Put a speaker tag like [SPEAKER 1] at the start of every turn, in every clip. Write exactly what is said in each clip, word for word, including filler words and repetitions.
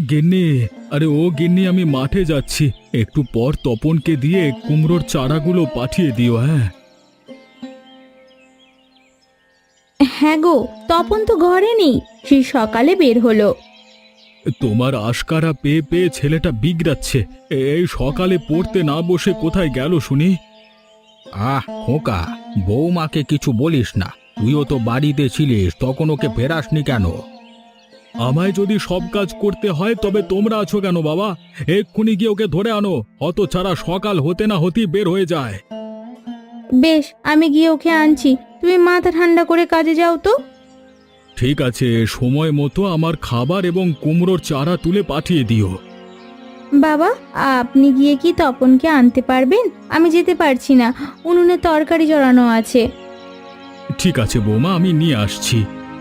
[SPEAKER 1] গিন্নি, আরে ও গিন্নি, আমি মাঠে যাচ্ছি, একটু পর তপনকে দিয়ে কুমড়োর চারাগুলো পাঠিয়ে দিও। হ্যাঁ
[SPEAKER 2] হ্যাঁ গো, তপন তো ঘরে নেই, সেই সকালে বের হলো।
[SPEAKER 1] তোমার আশকারা পেয়ে পেয়ে ছেলেটা বিগড়াচ্ছে। এই সকালে পড়তে না বসে কোথায় গেল শুনি?
[SPEAKER 3] আহ খোকা, বৌমাকে কিছু বলিস না। তুইও তো বাড়িতে ছিলিস, তখন ওকে ফেরাসনি কেন?
[SPEAKER 1] আমায় যদি সব কাজ করতে হয় তবে তোমরা আছো কেন বাবা? এক্ষুনি গিয়ে ওকে ধরে আনো, অত ছাড়া সকাল হতে না হতেই বের হয়ে যায়।
[SPEAKER 2] বেশ, আমি গিয়ে ওকে আনছি, তুমি মাথা ঠান্ডা করে কাজে যাও তো।
[SPEAKER 1] ঠিক আছে, সময় মতো আমার খাবার এবং কুমড়োর চারা তুলে পাঠিয়ে দিও।
[SPEAKER 2] বাবা, আপনি গিয়ে কি তপনকে আনতে পারবেন? আমি যেতে পারছি না, উনুনে তরকারি জড়ানো আছে।
[SPEAKER 1] ঠিক আছে বৌমা, আমি নিয়ে আসছি।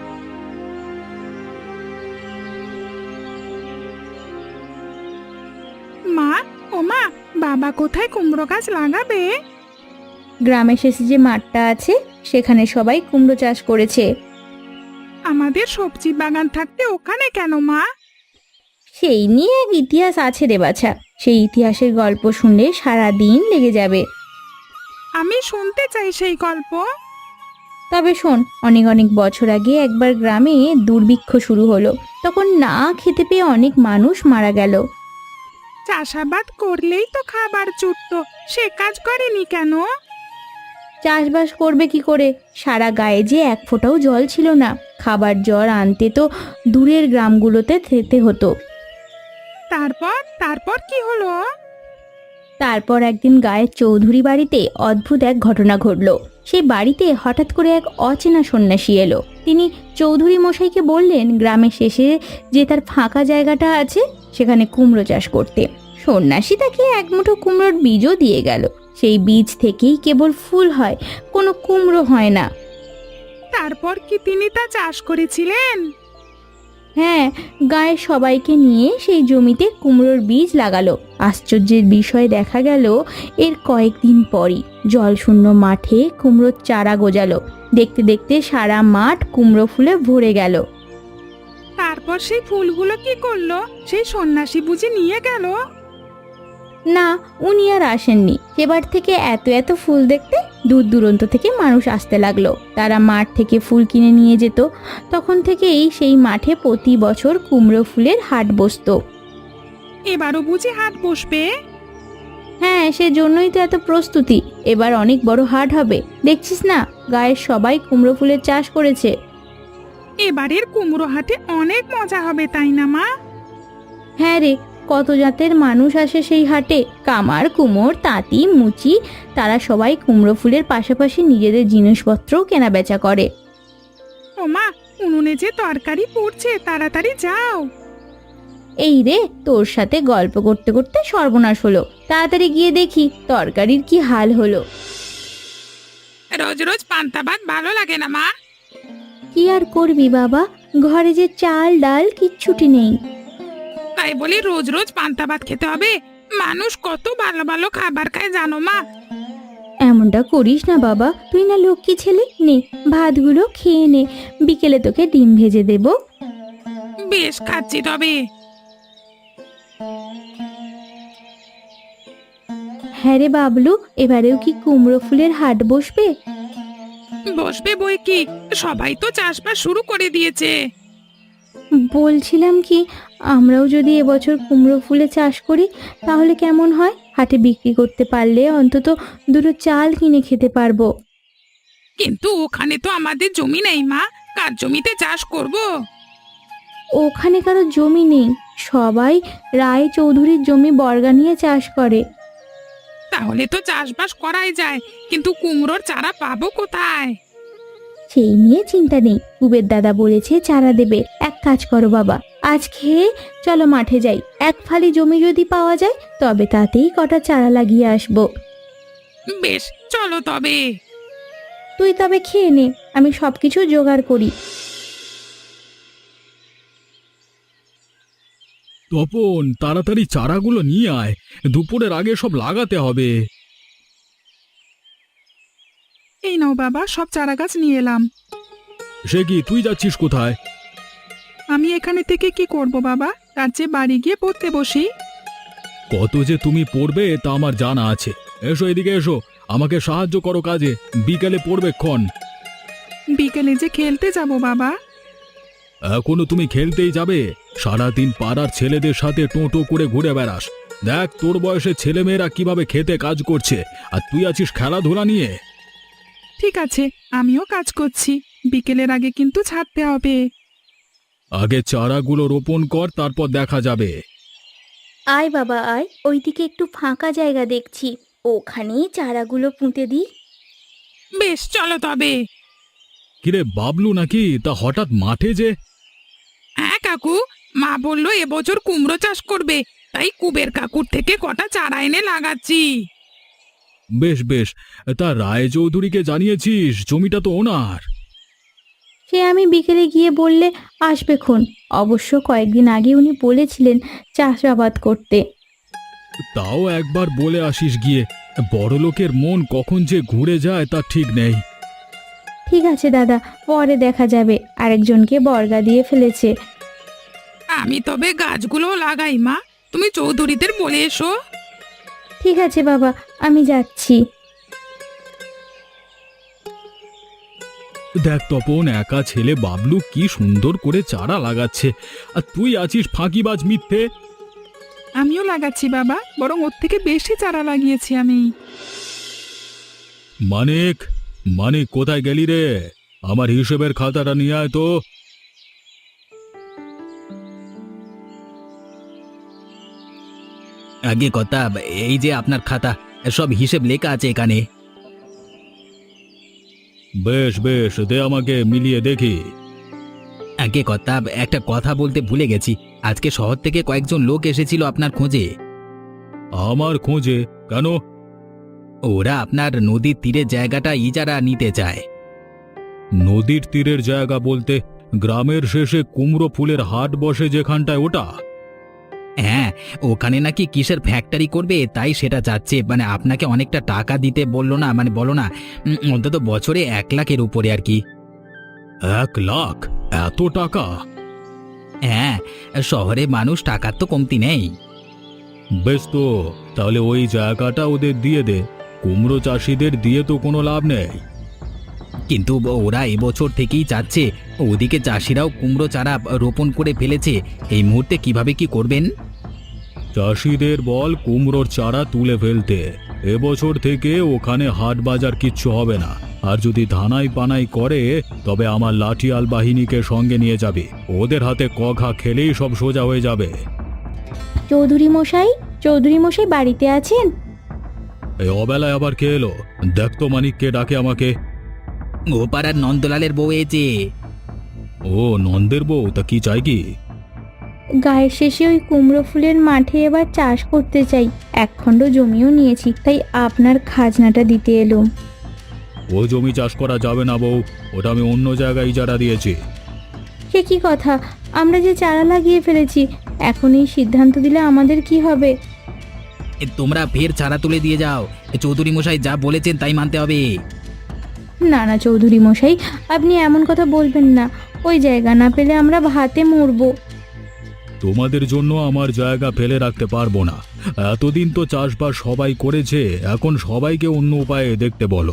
[SPEAKER 4] মা, ও মা, বাবা কোথায় কুমড়ো গাছ লাগাবে?
[SPEAKER 2] গ্রামে শেষে যে মাঠটা আছে সেখানে সবাই কুমড়ো চাষ করেছে।
[SPEAKER 4] আমাদের সবজি বাগান থাকতে ওখানে কেন মা?
[SPEAKER 2] সেই নিয়ে এক ইতিহাস আছে রে বাছা, সেই ইতিহাসের গল্প শুনলে সারা দিন লেগে যাবে।
[SPEAKER 4] আমি শুনতে চাই সেই গল্প।
[SPEAKER 2] তবে শোন, অনেক অনেক বছর আগে একবার গ্রামে দুর্ভিক্ষ শুরু হলো। তখন না খেতে পেয়ে অনেক মানুষ মারা গেল।
[SPEAKER 4] চাষাবাদ করলেই তো খাবার জুটতো, সে কাজ করেনি কেন?
[SPEAKER 2] চাষবাস করবে কি করে? সারা গায়ে যে এক ফোঁটাও জল ছিল না, খাবার জল আনতে তো দূরের গ্রামগুলোতে যেতে হতো।
[SPEAKER 4] তারপর তারপর কি হলো?
[SPEAKER 2] তারপর একদিন গায়ের চৌধুরী বাড়িতে অদ্ভুত এক ঘটনা ঘটলো। সেই বাড়িতে হঠাৎ করে এক অচেনা সন্ন্যাসী এলো। তিনি চৌধুরী মশাইকে বললেন গ্রামের শেষে যে তার ফাঁকা জায়গাটা আছে সেখানে কুমড়ো চাষ করতে। সন্ন্যাসী তাকে এক মুঠো কুমড়োর বীজও দিয়ে গেল। সেই বীজ থেকেই কেবল ফুল হয়, কোনো কুমড়ো হয় না।
[SPEAKER 4] তারপর কি তিনি তা চাষ করেছিলেন?
[SPEAKER 2] হ্যাঁ, গায়ের সবাইকে নিয়ে সেই জমিতে কুমড়োর বীজ লাগালো। আশ্চর্যের বিষয় দেখা গেল, এর কয়েকদিন পরই জলশূন্য মাঠে কুমড়োর চারা গজালো। দেখতে দেখতে সারা মাঠ কুমড়ো ফুলে ভরে গেল।
[SPEAKER 4] তারপর সেই ফুলগুলো কি করলো? সেই সন্ন্যাসী বুঝি নিয়ে গেল?
[SPEAKER 2] না, উনি আর আসেননি। এবার থেকে এত এত ফুল দেখতে দূর দূরান্ত থেকে মানুষ আসতে লাগলো। তারা মাঠ থেকে ফুল কিনে নিয়ে যেত। তখন থেকেই সেই মাঠে প্রতি বছর কুমড়ো ফুলের হাট বসতো।
[SPEAKER 4] এবারও বুঝি হাট বসবে?
[SPEAKER 2] হ্যাঁ, সেজন্যই তো এত প্রস্তুতি। এবার অনেক বড় হাট হবে, দেখছিস না, গায়ের সবাই কুমড়ো ফুলের চাষ করেছে।
[SPEAKER 4] এবারের কুমড়ো হাটে অনেক মজা হবে, তাই না মা?
[SPEAKER 2] হ্যাঁ রে, কত জাতের মানুষ আসে সেই হাটে। কামার, কুমোর, তাঁতি, মুচি, তারা সবাই কুমড়ো ফুলের পাশাপাশি নিজেদের জিনিসপত্রও কেনা বেচা করে।
[SPEAKER 4] ও মা, উনুনে যে তরকারি পড়ছে, তাড়াতাড়ি যাও।
[SPEAKER 2] এই রে, তোর সাথে গল্প করতে করতে সর্বনাশ হলো। তাড়াতাড়ি গিয়ে দেখি তরকারির কি হাল হলো।
[SPEAKER 4] রোজ রোজ পান্তা ভাত ভালো লাগে না মা।
[SPEAKER 2] কি আর করবি বাবা, ঘরে যে চাল ডাল কিচ্ছুটি নেই।
[SPEAKER 4] তাই বলি রোজ রোজ পান্তা ভাত খেতে হবে? মানুষ কত ভালো ভালো খাবার খায় জানো মা?
[SPEAKER 2] এমনটা করিস না বাবা, তুই না লক্ষ্মী ছেলে। নে, ভাতগুলো খেয়ে নে, বিকেলে তোকে ডিম ভেজে দেব।
[SPEAKER 4] বেশ, খাচ্ছি তবে।
[SPEAKER 2] হ্যাঁ রে বাবলু, এবারেও কি কুমড়ো ফুলের হাট বসবে?
[SPEAKER 4] বসবে বই কি, সবাই তো চাষবাস শুরু করে দিয়েছে।
[SPEAKER 2] বলছিলাম কি, আমরাও যদি এবছর কুমড়ো ফুলে চাষ করি তাহলে কেমন হয়? হাটে বিক্রি করতে পারলে অন্তত দুটো চাল কিনে খেতে পারবো।
[SPEAKER 4] কিন্তু ওখানে তো আমাদের জমি নেই মা, কার জমিতে চাষ করব?
[SPEAKER 2] ওখানে কারো জমি নেই, সবাই রায় চৌধুরীর জমি বর্গা নিয়ে চাষ করে।
[SPEAKER 4] তাহলে তো চাষবাস করাই যায়, কিন্তু কুমড়োর চারা পাবো কোথায়?
[SPEAKER 2] সেই নিয়ে চিন্তা নেই, কুবের দাদা বলেছে চারা দেবে। এক কাজ করো বাবা, আজ খেয়ে চলো মাঠে যাই। এক ফালি জমি যদি পাওয়া যায় তবে তাতেই কটা চারা লাগিয়ে আসবো।
[SPEAKER 4] বেশ, চলো তবে।
[SPEAKER 2] তুই তবে খেয়ে নে, আমি সবকিছু জোগাড় করি।
[SPEAKER 1] তপন, তাড়াতাড়ি চারাগুলো নিয়ে আয়, দুপুরের আগে সব লাগাতে হবে।
[SPEAKER 4] এই নাও বাবা, সব চারা গাছ নিয়ে এলাম।
[SPEAKER 1] সে কি, তুই যাচ্ছিস কোথায়?
[SPEAKER 4] আমি এখানে থেকে কি করব বাবা?
[SPEAKER 5] তার চেয়ে বাড়ি গিয়ে পড়তে বসি।
[SPEAKER 1] কত যে তুমি পড়বে তা আমার জানা আছে। এসো এদিকে এসো, আমাকে সাহায্য করো কাজে, বিকেলে পড়বে ক্ষণ।
[SPEAKER 5] বিকেলে যে খেলতে যাব বাবা।
[SPEAKER 1] এখনো তুমি খেলতেই যাবে? সারাদিন পাড়ার ছেলেদের সাথে টোটো করে ঘুরে বেড়াস। দেখ তোর বয়সে ছেলেমেয়েরা কিভাবে খেতে কাজ করছে, আর তুই আছিস খেলাধুলা নিয়ে।
[SPEAKER 5] ঠিক আছে, আমিও কাজ করছি, বিকেলের আগে কিন্তু ছাড়তে হবে।
[SPEAKER 1] আগে চারাগুলো রোপণ কর, তারপর দেখা যাবে।
[SPEAKER 2] আয় বাবা আয়, ওইদিকে একটু ফাঁকা জায়গা দেখছি, ওখানেই চারাগুলো পুঁতে দিই।
[SPEAKER 4] বেশ চলো তবে।
[SPEAKER 1] কিরে বাবলু নাকি? তা হঠাৎ মাঠে যে?
[SPEAKER 4] হ্যাঁ কাকু, মা বললো এবছর কুমড়ো চাষ করবে, তাই কুবের কাকুর থেকে কটা চারা এনে লাগাচ্ছি।
[SPEAKER 1] বেশ বেশ, তা রায়চৌধুরীকে জানিয়েছিস? জমিটা তো ওনার।
[SPEAKER 2] সে আমি বিকেলে গিয়ে বললে আসবেক্ষণ। অবশ্য কয়েকদিন আগে উনি বলেছিলেন চাষাবাদ করতে।
[SPEAKER 1] তাও একবার বলে আসিস গিয়ে। বড়লোকের মন কখন যে ঘুরে যায় তা ঠিক নেই।
[SPEAKER 2] ঠিক আছে দাদা, পরে দেখা যাবে। আরেকজনকে বর্গা দিয়ে ফেলেছে।
[SPEAKER 4] আমি তবে গাছগুলো লাগাই মা, তুমি চৌধুরীদের বলে এসো।
[SPEAKER 2] ঠিক আছে বাবা, আমি যাচ্ছি।
[SPEAKER 1] দেখ তপন, একা ছেলে বাবলু কি সুন্দর করে চারা লাগাচ্ছে, আর তুই আছিস ফাঁকিবাজ মিথ্যে।
[SPEAKER 5] আমিও লাগাচ্ছি বাবা, বরং ওর থেকে বেশি চারা লাগিয়েছি আমি।
[SPEAKER 1] মানিক, মানিক কোথায় গেলি রে? আমার হিসেবের খাতাটা নিয়ে আয় তো।
[SPEAKER 3] আগে কথা, এই যে আপনার খাতা, সব হিসেব লেখা আছে এখানে।
[SPEAKER 1] বেশ বেশ, দে আমাকে মিলিয়ে দেখি।
[SPEAKER 3] আগে কথা, একটা কথা বলতে ভুলে গেছি, আজকে শহর থেকে কয়েকজন লোক এসেছিল আপনার খোঁজে।
[SPEAKER 1] আমার খোঁজে? কেন?
[SPEAKER 3] ওরা আপনার নদীর তীরের জায়গাটা ইজারা নিতে চায়।
[SPEAKER 1] নদীর তীরের জায়গা বলতে গ্রামের শেষে কুমড়ো ফুলের হাট বসে যেখানটায়, ওটা?
[SPEAKER 3] হ্যাঁ, ওখানে নাকি কিসের ফ্যাক্টরি করবে, তাই সেটা যাচ্ছে। মানে আপনাকে অনেকটা টাকা দিতে বললো না, মানে বলো না, উম, অন্তত বছরে এক লাখের উপরে আর কি।
[SPEAKER 1] এক লাখ? এত টাকা?
[SPEAKER 3] হ্যাঁ, শহরে মানুষ টাকার তো কমতি নেই।
[SPEAKER 1] বেশ তো, তাহলে ওই জায়গাটা ওদের দিয়ে দে। কুমড়ো চাষিদের দিয়ে তো কোনো লাভ নেই।
[SPEAKER 3] কিন্তু ওরা এবছর থেকেই চাচ্ছে, ওদিকে চাষিরাও কুমড়ো চারা রোপণ করে ফেলেছে। এই মুহূর্তে কিভাবে কি করবেন?
[SPEAKER 1] চাষিদের বল কুমড়োর চারা তুলে ফেলতে। এবছর থেকে ওখানে হাট বাজার কিচ্ছু হবে না। আর যদি ধানাই পানাই করে, তবে আমার লাঠিয়াল বাহিনীকে সঙ্গে নিয়ে যাবে। ওদের হাতে কঘা খেলেই সব সোজা হয়ে যাবে।
[SPEAKER 2] চৌধুরী মশাই, চৌধুরী মশাই বাড়িতে আছেন?
[SPEAKER 1] এই অবেলায় আবার কে এলো? দেখ তো মানিককে ডাকে আমাকে।
[SPEAKER 3] ও পাড়ার নন্দলালের বউ এসে।
[SPEAKER 1] ও নন্দের বউ? তা কি চাই কি?
[SPEAKER 2] গায়ের শেষে ওই কুমড়ো ফুলের মাঠে এবার চাষ করতে চাই। এক খণ্ড জমিও নিয়েছি, তাই আপনার খাজনাটা দিতে এলুম।
[SPEAKER 1] ও জমি চাষ করা যাবে না বউ, ওটা আমি অন্য জায়গায় ইজারা দিয়েছি।
[SPEAKER 2] সে কি কথা? আমরা যে চারা লাগিয়ে ফেলেছি, এখন এই সিদ্ধান্ত দিলে আমাদের কি হবে?
[SPEAKER 3] এ, তোমরা ফের চারা তুলে দিয়ে যাও। এ, চৌধুরী মশাই যা বলেছেন তাই মানতে হবে।
[SPEAKER 2] না না চৌধুরী মশাই, আপনি এমন কথা বলবেন না। ওই জায়গা না পেলে আমরা ভাতে মরবো।
[SPEAKER 1] তোমাদের জন্য আমার জায়গা ফেলে রাখতে পারবো না। এতদিন তো চাষবাস সবাই করেছে, এখন সবাইকে অন্য উপায়ে দেখতে বলো।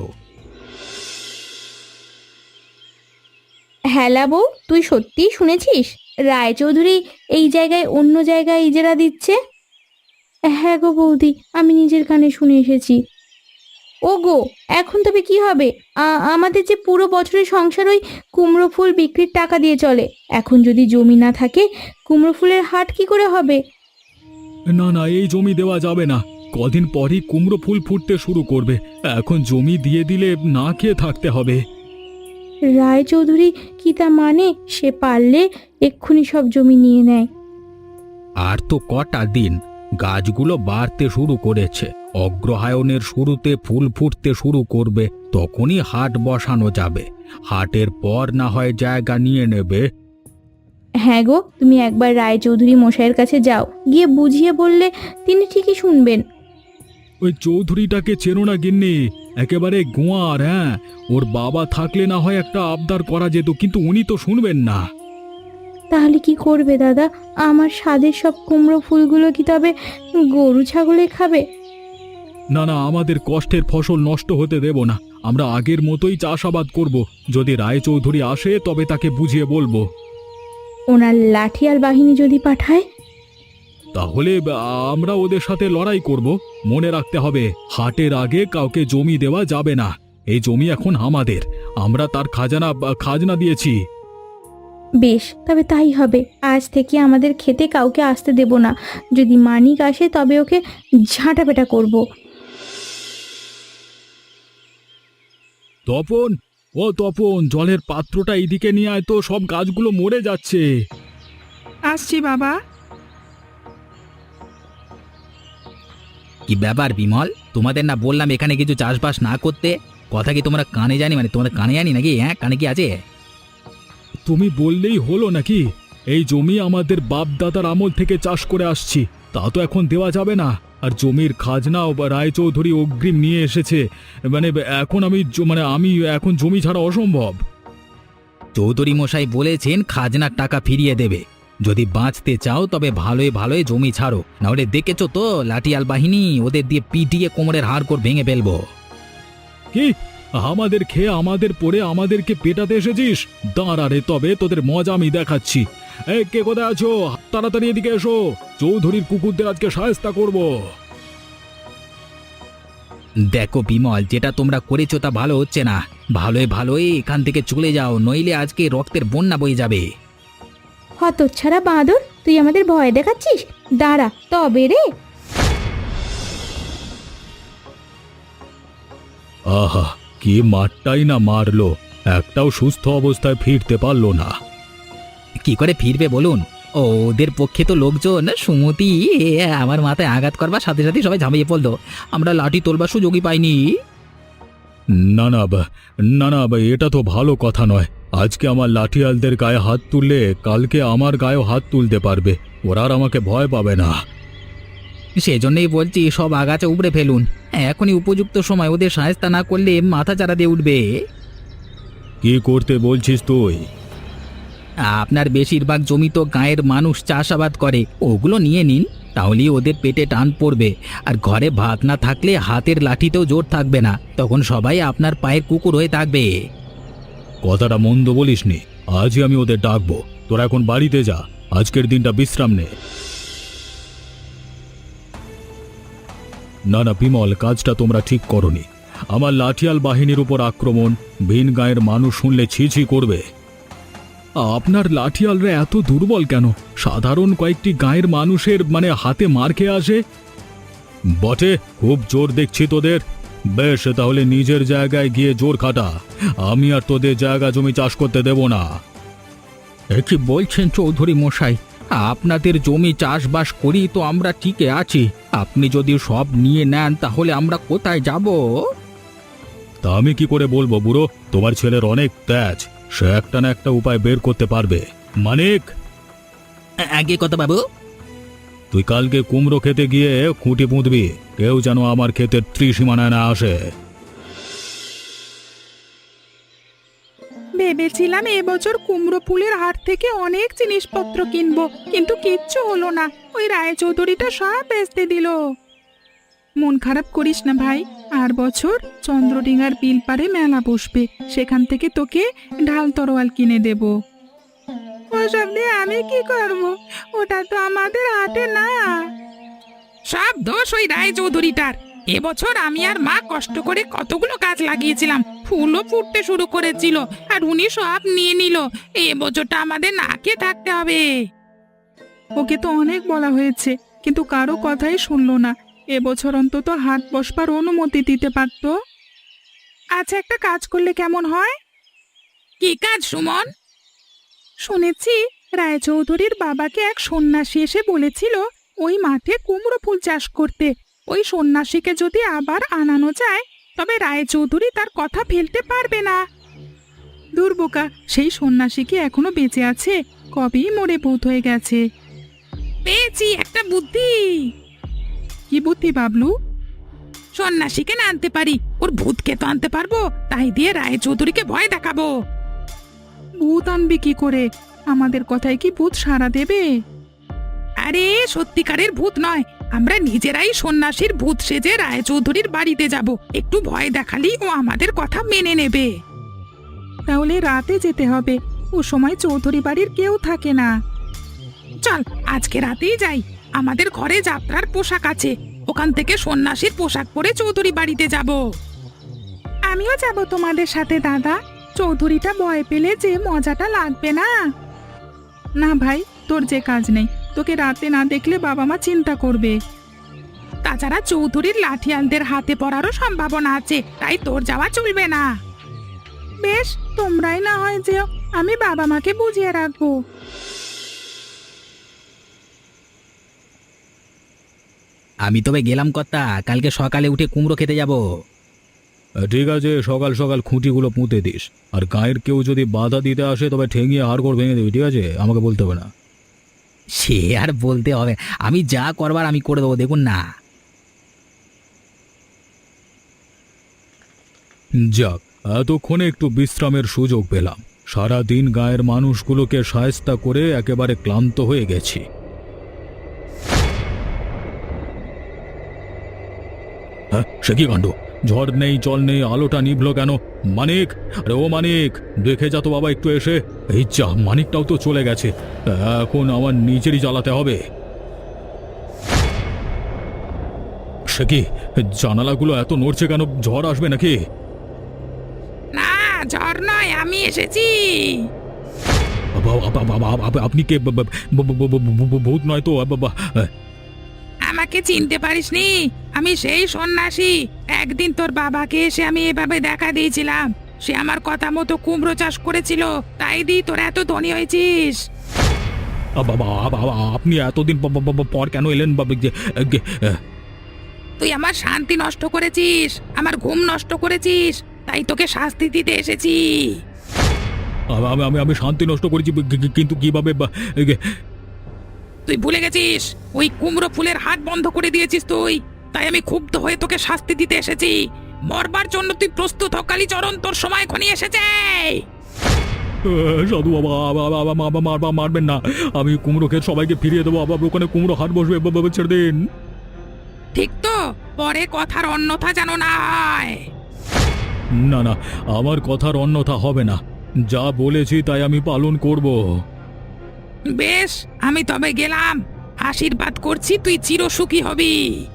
[SPEAKER 2] হ্যালা বউ, তুই সত্যিই শুনেছিস রায়চৌধুরী এই জায়গায় অন্য জায়গায় ইজারা দিচ্ছে? হ্যাঁ গো বৌদি, আমি নিজের কানে শুনে এসেছি। ও গো, এখন তবে কি হবে? আ- আমাদের যে পুরো বছরের সংসার ওই কুমড়ো ফুল বিক্রির টাকা দিয়ে চলে। এখন যদি জমি না থাকে, কুমড়ো ফুলের হাট কি করে হবে?
[SPEAKER 1] না না, এই জমি দেওয়া যাবে না। কদিন পরই কুমড়ো ফুল ফুটতে শুরু করবে। এখন জমি দিয়ে দিলে না খেয়ে থাকতে হবে।
[SPEAKER 2] রায়চৌধুরী কি তা মানে? সে পারলে এক্ষুনি সব জমি নিয়ে নেয়।
[SPEAKER 3] আর তো কটা দিন, গাছগুলো বাড়তে শুরু করেছে। অগ্রহায়ণের শুরুতে ফুল ফুটতে শুরু করবে, তখনই হাট বসানো যাবে। হাটের পর না হয় জায়গা নিয়ে নেবে।
[SPEAKER 2] হ্যাঁ গো, তুমি একবার রায়চৌধুরী মশাইয়ের কাছে যাও, গিয়ে বুঝিয়ে বললে তিনি ঠিকই শুনবেন।
[SPEAKER 1] ওই চৌধুরীটাকে চেনো না গিন্নি? একেবারে গোয়ার। হ্যাঁ, ওর বাবা থাকলে না হয় একটা আবদার করা যেত, কিন্তু উনি তো শুনবেন না।
[SPEAKER 2] তাহলে কি করবে দাদা? আমার স্বাদের সব কুমড়ো ফুলগুলো কি তবে গরু ছাগলে খাবে?
[SPEAKER 1] না না, আমাদের কষ্টের ফসল নষ্ট হতে দেব না। আমরা আগের মতোই চাষাবাদ করব। যদি রায়চৌধুরী আসে তবে তাকে বুঝিয়ে বলবো।
[SPEAKER 2] ওনার লাঠিয়াল বাহিনী যদি পাঠায়?
[SPEAKER 1] তাহলে আ, আমরা ওদের সাথে লড়াই করব। মনে রাখতে হবে, হাটের আগে কাউকে জমি দেওয়া যাবে না। এই জমি এখন আমাদের। আমরা তার খাজানা খাজনা দিয়েছি।
[SPEAKER 2] বেশ, তবে তাই হবে। আজ থেকে আমাদের খেতে কাউকে আসতে দেব না। যদি মানিক আসে তবে ওকে ঝাঁটাপেটা করব।
[SPEAKER 1] তপন, ও তপন, জলের পাত্রটা এইদিকে নিয়ে আয় তো, সব গাছগুলো মরে যাচ্ছে।
[SPEAKER 5] আসছি বাবা।
[SPEAKER 3] কি ব্যাপার বিমল, তোমাদের না বললাম এখানে কিছু চাষবাস না করতে? কথা কি তোমরা কানে জানি, মানে তোমাদের কানে জানি নাকি? হ্যাঁ, কানে কি আছে?
[SPEAKER 1] তুমি বললেই হলো নাকি? এই জমি আমাদের বাপ দাদার আমল থেকে চাষ করে আসছি, তা তো এখন দেওয়া যাবে না। আর জমির খাজনাও বা রায়চৌধুরী অগ্রিম নিয়ে এসেছে। মানে এখন আমি জ- মানে আমি এখন জমি ছাড়া অসম্ভব।
[SPEAKER 3] চৌধুরী মশাই বলেছেন খাজনার টাকা ফিরিয়ে দেবে। যদি বাঁচতে চাও তবে ভালোই ভালোই জমি ছাড়ো, না হলে দেখেছো তো লাঠিয়াল বাহিনী, ওদের দিয়ে পিটিয়ে কোমরের হাড়গোড় ভেঙে ফেলবো।
[SPEAKER 1] কি, আমাদের খেয়ে আমাদের পড়ে আমাদেরকে পেটাতে এসেছিস? দাঁড়া রে, তবে তোদের মজা আমি দেখাচ্ছি। এই, কে কোথায় আছো? তাড়াতাড়ি এদিকে এসো। চৌধুরীর কুকুরদের আজকে শায়েস্তা করব।
[SPEAKER 3] দেখো বিমল, যেটা তোমরা করেছো তা ভালো হচ্ছে না। ভালোই ভালোই এখান থেকে চলে যাও, নইলে আজকে রক্তের বন্যা বয়ে যাবে।
[SPEAKER 2] হতচ্ছাড়া বাঁদর, তুই আমাদের ভয় দেখাচ্ছিস? দাঁড়া তবে রে।
[SPEAKER 1] আহা, কি মারটাই না মারলো, একটাও সুস্থ অবস্থায় ফিরতে পারলো না।
[SPEAKER 3] কি করে ফিরবে বলুন? ও, ওদের পক্ষে তো লোকজন সুমতি এ, আমার মাথায় আঘাত করবার সাথে সাথে সবাই ঝাঁপিয়ে পড়লো। আমরা লাঠি তোলবার সুযোগই পাইনি।
[SPEAKER 1] না না বা, না না বা, এটা তো ভালো কথা নয়। আজকে আমার লাঠিয়ালদের গায়ে হাত তুললে কালকে আমার গায়েও হাত তুলতে পারবে। ওরা আর আমাকে ভয় পাবে না।
[SPEAKER 3] সেজন্যই বলছি, সব আগাছা উপড়ে ফেলুন। এখনই উপযুক্ত সময়, ওদের সাহায্য না করলে মাথা চারা দিয়ে উঠবে।
[SPEAKER 1] কি করতে বলছিস তুই?
[SPEAKER 3] আপনার বেশিরভাগ জমি তো গাঁয়ের মানুষ চাষাবাদ করে, ওগুলো নিয়ে নিন, তাহলেই ওদের পেটে টান পড়বে। আর ঘরে ভাত না থাকলে হাতের লাঠিতেও জোর থাকবে না, তখন সবাই আপনার পায়ের কুকুর হয়ে থাকবে।
[SPEAKER 1] কথাটা মন্দ বলিসনি। আজই আমি ওদের ডাকবো। তোরা এখন বাড়িতে যা, আজকের দিনটা বিশ্রাম নে। না না বিমল, কাজটা তোমরা ঠিক করনি। আমার লাঠিয়াল বাহিনীর উপর আক্রমণ, ভিন গাঁয়ের মানুষ শুনলে ছি ছি করবে। আপনার লাঠিয়ালরা এত দুর্বল কেন? সাধারণ কয়েকটি গাঁয়ের মানুষের মানে হাতে মার খেয়ে আসে। বটে, খুব জোর দেখছি তোদের। বেশ, তাহলে নিজের জায়গায় গিয়ে জোর খাটা। আমি আর তোদের জায়গা জমি চাষ করতে দেব না।
[SPEAKER 3] এ কি বলছেন চৌধুরী মশাই? আপনাদের জমি চাষবাস করি তো আমরা টিকে আছি, আপনি যদি সব নিয়ে নেন তাহলে আমরা কোথায় যাব?
[SPEAKER 1] তা আমি কি করে বলবো বুড়ো? তোমার ছেলের অনেক তেজ, সে একটা না একটা উপায় বের করতে পারবে। মানিক,
[SPEAKER 3] আগে কথা বাবু।
[SPEAKER 1] তুই কালকে কুমড়ো খেতে গিয়ে খুঁটি পুঁতবি, কেউ যেন আমার ক্ষেতের ত্রিসীমানায় না আসে।
[SPEAKER 5] ভেবেছিলাম এবছর কুমড়ো ফুলের হাট থেকে অনেক জিনিসপত্র কিনবো, কিন্তু কিচ্ছু হলো না। ওই রায়চৌধুরীটা সব বেচতে দিল। মন খারাপ করিস না ভাই, আর বছর চন্দ্রডিঙ্গার বিল পারে মেলা বসবে, সেখান থেকে তোকে ঢাল তরোয়াল কিনে দেব। ওসব দিয়ে আমি কি করব? ওটা তো আমাদের হাটে না।
[SPEAKER 4] সব দোষ ওই রায় চৌধুরীটার। এবছর আমি আর মা কষ্ট করে কতগুলো গাছ লাগিয়েছিলাম, ফুলও ফুটতে শুরু করেছিল, আর উনি সব নিয়ে নিল। এবছরটা আমাদের না খেয়ে থাকতে হবে।
[SPEAKER 5] ওকে তো অনেক বলা হয়েছে, কিন্তু কারো কথাই শুনলো না। এবছর অন্তত হাট বসবার অনুমতি দিতে পারতো। আচ্ছা, একটা কাজ করলে কেমন হয়?
[SPEAKER 4] কি কাজ সুমন?
[SPEAKER 5] শুনেছি রায়চৌধুরীর বাবাকে এক সন্ন্যাসী এসে বলেছিল ওই মাঠে কুমড়ো ফুল চাষ করতে। ওই সন্ন্যাসীকে যদি আবার আনানো যায় তবে রায়চৌধুরী তার কথা ফেলতে পারবে না। দুর্বোকা, সেই সন্ন্যাসী কি এখনো বেঁচে আছে? কবেই মরে ভূত হয়ে গেছে।
[SPEAKER 4] পেয়েছি একটা বুদ্ধি।
[SPEAKER 5] কি বুদ্ধি বাবলু?
[SPEAKER 4] সন্ন্যাসীকে না আনতে পারি, ওর ভূতকে তো আনতে পারবো। তাই দিয়ে রায় চৌধুরীকে ভয় দেখাবো।
[SPEAKER 5] ভূত আনবি কি করে? আমাদের কথায় কি ভূত সাড়া দেবে?
[SPEAKER 4] আরে সত্যিকারের ভূত নয়, আমরা নিজেরাই সন্ন্যাসীর ভূত সেজে রায়চৌধুরীর বাড়িতে যাব। একটু ভয় দেখালেই ও আমাদের কথা মেনে নেবে।
[SPEAKER 5] তাহলে রাতে যেতে হবে, ও সময় চৌধুরী বাড়ির কেউ থাকে না।
[SPEAKER 4] চল আজকে রাতেই যাই। আমাদের ঘরে যাত্রার পোশাক আছে, ওখান থেকে সন্ন্যাসীর পোশাক পরে চৌধুরী বাড়িতে যাব।
[SPEAKER 5] আমিও যাব তোমাদের সাথে দাদা। চৌধুরীটা ভয় পেলে যে মজাটা লাগবে না। না ভাই, তোর যে কাজ নেই, তোকে রাতে না দেখলে বাবা মা চিন্তা করবে।
[SPEAKER 4] তাছাড়া চৌধুরীর লাঠিয়ালদের হাতে পড়ারও সম্ভাবনা আছে, তাই তোর যাওয়া চলবে না।
[SPEAKER 5] বেশ, তোমরাই না হয় যেও, আমি বাবা মাকে বুঝিয়ে রাখবো।
[SPEAKER 3] আমি তবে গেলাম কর্তা, কালকে সকালে উঠে কুমড়ো খেতে যাব।
[SPEAKER 1] ঠিক আছে, সকাল সকাল খুঁটিগুলো পুঁতে দিস। আর গায়ের কেউ যদি বাধা দিতে আসে তবে ঠেঙিয়ে হাড়গোড় ভেঙে দিবি, ঠিক আছে? আমাকে বলতে হবে না।
[SPEAKER 3] সে আর বলতে হবে, আমি যা করবার আমি করে দেবো, দেখুন না।
[SPEAKER 1] যাক, এতক্ষণে একটু বিশ্রামের সুযোগ পেলাম। সারা দিন গায়ের মানুষগুলোকে শায়েস্তা করে একেবারে ক্লান্ত হয়ে গেছি। হ্যাঁ, সে কি কাণ্ড! ঝড় নেই, জল নেই, আলোটা নিভলো কেন? মানিক, আরে ও মানিক, দেখে যা তো বাবা একটু এসে। এই যা, মানিকটাও তো চলে গেছে। এখন আমার নিজেরই জ্বালাতে হবে। সে কি, জানালাগুলো এত নড়ছে কেন? ঝড় আসবে নাকি?
[SPEAKER 4] না, ঝড় নয়, আমি এসেছি।
[SPEAKER 1] বাবা, বাবা, বাবা, আপ- আপনি কে? ব- ব- ব- ব- ব- ব- ভূত নয় তো? বাবা,
[SPEAKER 4] আমাকে চিনতে পারিসনি? আমি সেই সন্ন্যাসী। একদিন তোর বাবাকে এসে আমি এভাবে দেখা দিয়েছিলাম। সে আমার কথা মতো কুমড়ো চাষ করেছিল, তাই দি তোর এত ধনী হয়েছিস।
[SPEAKER 1] বাবা, বাবা, আপনি এতদিন প- প- প- পর কেন এলেন? বাবা, যে- গে-
[SPEAKER 4] তুই আমার শান্তি নষ্ট করেছিস, আমার ঘুম নষ্ট করেছিস, তাই তোকে শাস্তি দিতে এসেছি।
[SPEAKER 1] আমি আমি আমি শান্তি নষ্ট করেছি, কি- কি- কিন্তু কিভাবে? বা- গে-
[SPEAKER 4] তুই ভুলে গেছিস, ওই কুমড়ো ফুলের হাট বন্ধ করে দিয়েছিস তুই, তাই আমি ক্ষুব্ধ হয়ে তোকে শাস্তি দিতে এসেছি। মরবার জন্য তুই প্রস্তুত হ কালীচরণ, তোর সময় ঘনিয়ে এসেছে।
[SPEAKER 1] সাধু বাবা, বাবা, বাবা, বাবা, মারবা মারবেন না। আমি কুমড়ো খেয়ে সবাইকে ফিরিয়ে দেবো। আবার ওখানে কুমড়ো হাট বসবে। বাবা, বাবা, ছেড়ে দিন।
[SPEAKER 4] ঠিক তো? পরে কথার অন্যথা যেন না হয়।
[SPEAKER 1] না না, আমার কথার অন্যথা হবে না। যা বলেছি তাই আমি পালন করব।
[SPEAKER 4] বেশ, আমি তবে গেলাম। আশীর্বাদ করছি তুই চিরসুখী হবি।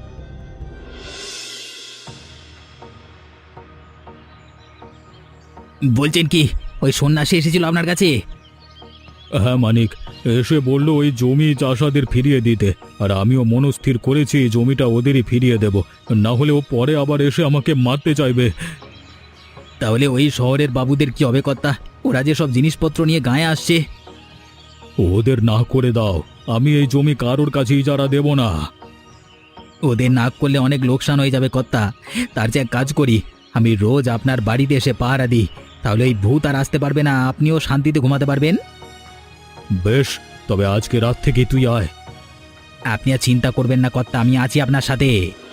[SPEAKER 3] বলছেন কি, ওই সন্ন্যাসী এসেছিল আপনার কাছে?
[SPEAKER 1] হ্যাঁ মানিক, এসে বলল ওই জমি চাষাদের ফিরিয়ে দিতে। আর আমিও মনস্থির করেছি জমিটা ওদেরই ফিরিয়ে দেব, না হলে ও পরে আবার এসে আমাকে মারতে চাইবে।
[SPEAKER 3] তাহলে ওই শহরের বাবুদের কি হবে কর্তা? ওরা যে সব জিনিসপত্র নিয়ে গায়ে আসছে।
[SPEAKER 1] ওদের না করে দাও, আমি এই জমি কারোর কাছে ইজারা দেব না।
[SPEAKER 3] ওদের না করলে অনেক লোকসান হয়ে যাবে কর্তা। তার যে এক কাজ করি, আমি রোজ আপনার বাড়িতে এসে পাহারা দিই, তাহলে এই ভূত আর আসতে পারবে না, আপনিও শান্তিতে ঘুমাতে পারবেন।
[SPEAKER 1] বেশ, তবে আজকে রাত থেকে তুই আয়।
[SPEAKER 3] আপনি আর চিন্তা করবেন না কর্তা, আমি আছি আপনার সাথে।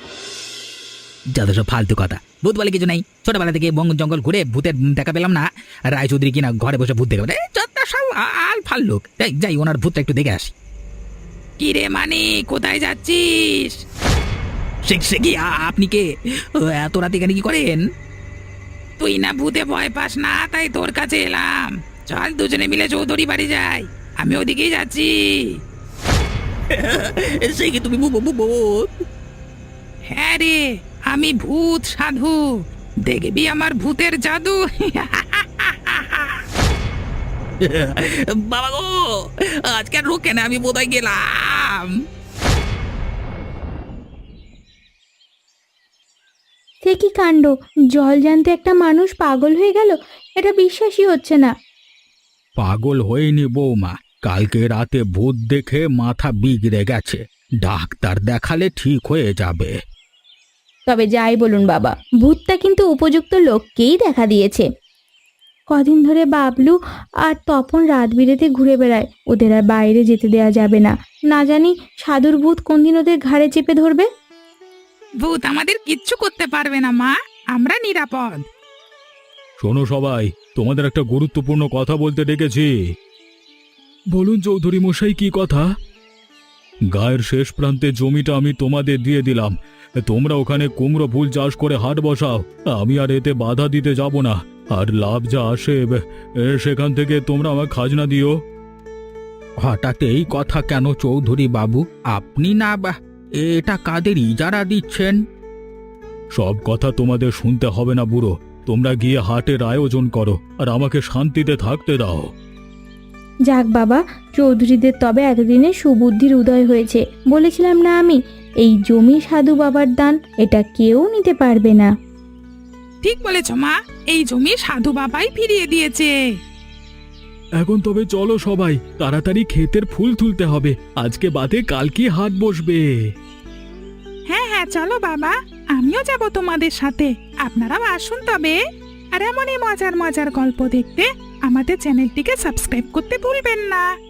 [SPEAKER 3] যত সব ফালতু কথা, ভূত বলে কিছু নাই। ছোটবেলা থেকে বন জঙ্গল ঘুরে ভূতের দেখা পেলাম না, রায়চৌধুরী কিনা ঘরে বসে ভূত দেখে যত সব আল ফাল লোক। যাই যাই, ওনার ভূতটা একটু দেখে আসি।
[SPEAKER 4] কিরে মানি, কোথায় যাচ্ছিস?
[SPEAKER 3] সে সে কি, আ- আপনি কে? ও, এত রাতে এখানে কি করেন?
[SPEAKER 4] তুই না ভূতে ভয় পাস না, তাই তোর কাছে এলাম। চল দুজনে মিলে চৌধুরী বাড়ি যাই, আমি ওদিকেই যাচ্ছি।
[SPEAKER 3] সে কি, তুমি ভূ- ভূ- ভূত?
[SPEAKER 4] হ্যাঁ রে, আমি ভূত সাধু, দেখবি আমার ভূতের জাদু।
[SPEAKER 3] বাবা গো, আজকে আর রোকে না, আমি বোধহয় গেলাম।
[SPEAKER 2] সে কি কাণ্ড! জল জানতে একটা মানুষ পাগল হয়ে গেল, এটা বিশ্বাসই হচ্ছে না।
[SPEAKER 1] পাগল হয়নি বৌমা, কালকে রাতে ভূত দেখে মাথা বিগড়ে গেছে। ডাক্তার দেখালে ঠিক হয়ে যাবে।
[SPEAKER 2] তবে যাই বলুন বাবা, ভূতটা কিন্তু উপযুক্ত লোককেই দেখা দিয়েছে। কদিন ধরে বাবলু আর তপন রাত বিরেতে ঘুরে বেড়ায়, ওদের আর বাইরে যেতে দেয়া যাবে না। না জানি সাধুর ভূত কোন দিন ওদের ঘাড়ে চেপে ধরবে।
[SPEAKER 4] ভূত আমাদের কিচ্ছু করতে পারবে না মা, আমরা নিরাপদ।
[SPEAKER 1] শোনো সবাই, তোমাদের একটা গুরুত্বপূর্ণ কথা বলতে ডেকেছি। বলুন চৌধুরী মশাই কি কথা? গায়ের শেষ প্রান্তে জমিটা আমি তোমাদের দিয়ে দিলাম, তোমরা ওখানে কুমড়ো ফুল চাষ করে হাট বসাও। আমি আর এতে বাধা দিতে যাব না, আর লাভ যা আসে এ, সেখান থেকে তোমরা আমার খাজনা দিও।
[SPEAKER 3] হঠাৎ এই কথা কেন চৌধুরী বাবু? আপনি না বা এটা কাদের ইজারা দিচ্ছেন?
[SPEAKER 1] সব কথা তোমাদের শুনতে হবে না বুড়ো, তোমরা গিয়ে হাটের আয়োজন করো আর আমাকে শান্তিতে থাকতে দাও।
[SPEAKER 2] যাক বাবা, চৌধুরীদের তবে এতদিনে সুবুদ্ধির উদয় হয়েছে। বলেছিলাম না আমি, এই জমি সাধু বাবার দান, এটা কেউ নিতে পারবে না।
[SPEAKER 4] ঠিক বলেছ মা, এই জমি সাধু বাবাই ফিরিয়ে দিয়েছে।
[SPEAKER 1] এখন তবে চলো সবাই, তাড়াতাড়ি ক্ষেতের ফুল তুলতে হবে, আজকে বাদে কালকে হাট বসবে।
[SPEAKER 5] হ্যাঁ হ্যাঁ চলো বাবা, আমিও যাব তোমাদের সাথে। আপনারাও আসুন তবে। আর এমনই মজার মজার গল্প দেখতে আমাদের চ্যানেলটিকে সাবস্ক্রাইব করতে ভুলবেন না।